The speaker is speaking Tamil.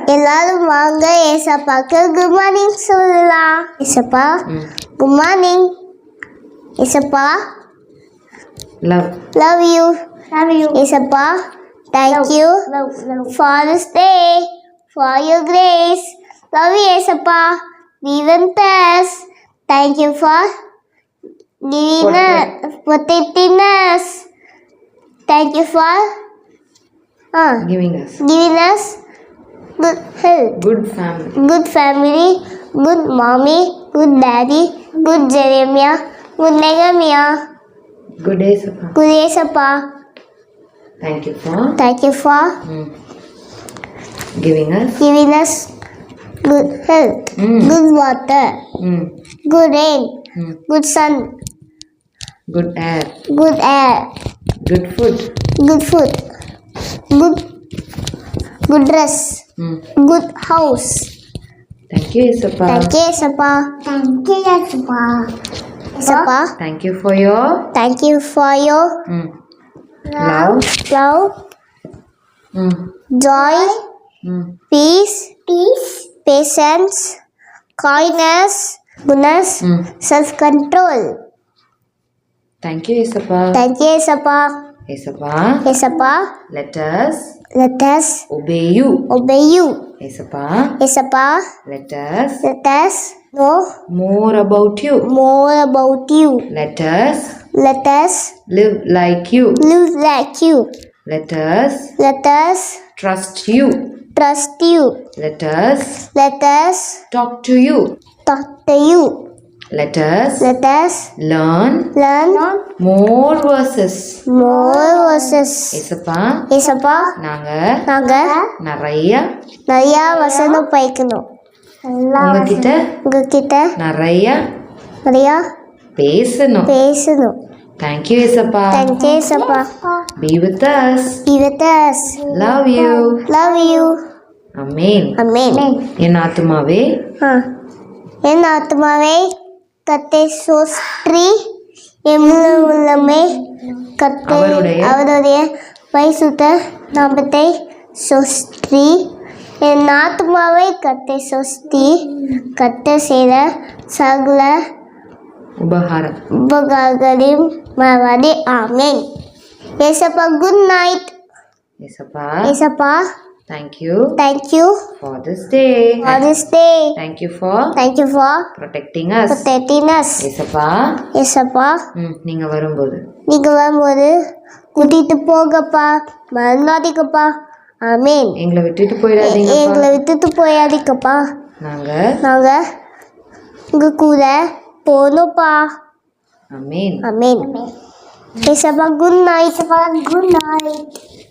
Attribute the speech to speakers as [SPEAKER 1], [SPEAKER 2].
[SPEAKER 1] எல்லாரும் வாங்க ஏசப்பாக்கு குட் மார்னிங் சொல்லலாம். ஏசப்பா குட் மார்னிங். ஏசப்பா love you. ஏசப்பா thank you for this day, for your grace. Love you ஏசப்பா. Be with us. Thank you for giving us, protecting us. Thank you for
[SPEAKER 2] giving us
[SPEAKER 1] good health,
[SPEAKER 2] good family,
[SPEAKER 1] good mommy, good daddy, good Jeremiah, good Nehemiah,
[SPEAKER 2] good Esappa. Thank you for giving us
[SPEAKER 1] good health, good water, good rain, good sun,
[SPEAKER 2] good air,
[SPEAKER 1] good food, good dress, good house.
[SPEAKER 2] Thank you Esappa.
[SPEAKER 1] Esappa.
[SPEAKER 2] Thank you for your love,
[SPEAKER 1] joy, peace, patience, kindness, goodness, self-control.
[SPEAKER 2] Thank you Esappa.
[SPEAKER 1] Esappa,
[SPEAKER 2] let us obey you. Esappa, let us
[SPEAKER 1] know
[SPEAKER 2] more about you. Let us live like you. Let us trust you. Let us talk to you. Let us learn more verses. Esappa, நாங்க நிறைய
[SPEAKER 1] வசனம் படிக்கணும்.
[SPEAKER 2] உங்ககிட்ட நிறைய பேசணும். Thank you Esappa. Be with us. Love you. Amen. என் ஆத்துமாவே
[SPEAKER 1] கர்த்தரை ஸ்தோத்திரி, என் முழு உள்ளமே அவருடைய பரிசுத்த நாமத்தை ஸ்தோத்திரி. என் ஆத்துமாவை கர்த்தரை ஸ்தோத்திரி, கர்த்தர் செய்த சகல உபகாரங்களையும் மறவாதே. ஆமென். ஏசப்பா குட் நைட். ஏசப்பா
[SPEAKER 2] Thank you for this day. Thank you for protecting us.
[SPEAKER 1] ஏசப்பா
[SPEAKER 2] நீங்க வரும்போது
[SPEAKER 1] கூட்டிட்டு போகப்பா, மறந்தாதீங்கப்பா. ஆமென்.
[SPEAKER 2] எங்களை விட்டுட்டு
[SPEAKER 1] போயாதீங்கப்பா.
[SPEAKER 2] நாங்க
[SPEAKER 1] உங்க கூட போகணும்ப்பா.
[SPEAKER 2] ஆமென்.
[SPEAKER 1] ஏசப்பா குட் நைட்.